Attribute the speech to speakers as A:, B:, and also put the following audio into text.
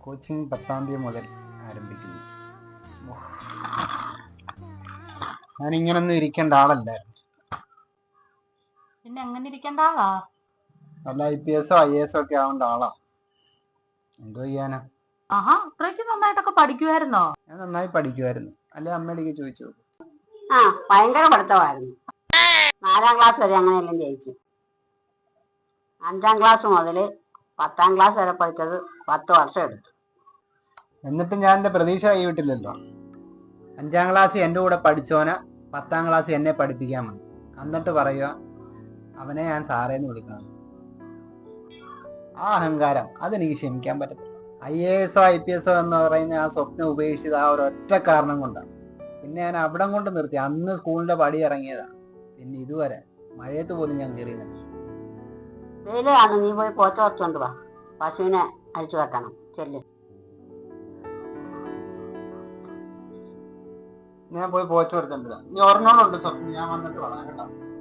A: Coaching 10-ാം തീയതി മുതൽ ആരംഭിക്കുന്നു. ഞാനിങ്ങനൊന്നും ഇരിക്കേണ്ട ആളല്ലായിരുന്നു.
B: പിന്നെ എങ്ങനെ ഇരിക്കേണ്ട ആളാ?
A: വല്ല IPS-ഓ IAS-ഓ ഒക്കെ ആവേണ്ട ആളാ. എന്തോ ചെയ്യാനാ?
B: ആഹാ, അത്രയ്ക്ക് നന്നായിട്ടൊക്കെ പഠിക്കുമായിരുന്നോ?
A: ഞാൻ നന്നായി പഠിക്കുമായിരുന്നു. അല്ലെ അമ്മയുടെ ചോദിച്ചു.
C: ഭയങ്കര പഠിത്തമായിരുന്നു. 4-ാം ക്ലാസ് വരെ അങ്ങനെയെല്ലാം ജയിച്ചു. 5-ാം ക്ലാസ് മുതൽ 10-ാം ക്ലാസ് വരെ പഠിച്ചത് 10 വർഷം എടുത്തു.
A: എന്നിട്ടും ഞാൻ എൻ്റെ പ്രതീക്ഷ കൈവിട്ടില്ലല്ലോ. 5-ാം ക്ലാസ് എൻ്റെ കൂടെ പഠിച്ചോന 10-ാം ക്ലാസ് എന്നെ പഠിപ്പിക്കാൻ വന്നു. എന്നിട്ട് പറയുക അവനെ ഞാൻ സാറേന്ന് വിളിക്കണം. ആ അഹങ്കാരം അതെനിക്ക് ക്ഷമിക്കാൻ പറ്റത്തില്ല. IAS-ഓ IPS-ഓ എന്ന് പറയുന്ന ആ സ്വപ്നം ഉപേക്ഷിച്ചത് ആ ഒരൊറ്റ കാരണം കൊണ്ടാണ്. പിന്നെ ഞാൻ അവിടം കൊണ്ട് നിർത്തി. അന്ന് സ്കൂളിന്റെ പടി ഇറങ്ങിയതാ. പിന്നെ ഇതുവരെ മഴയത്ത് പോലും ഞാൻ കയറിയുന്നില്ല.
C: വെയിലാണ്, നീ പോയി പോച്ച കുറച്ചുകൊണ്ട് വാ. പശുവിനെ അഴിച്ചു വെക്കണം. ചെല്ല്.
A: ഞാൻ പോയി പോച്ച കൊടുത്തിട്ടില്ല. നീ ഒരെണ്ണോടുണ്ട് സ്വപ്നം. ഞാൻ വന്നിട്ട് പറയാം കേട്ടോ.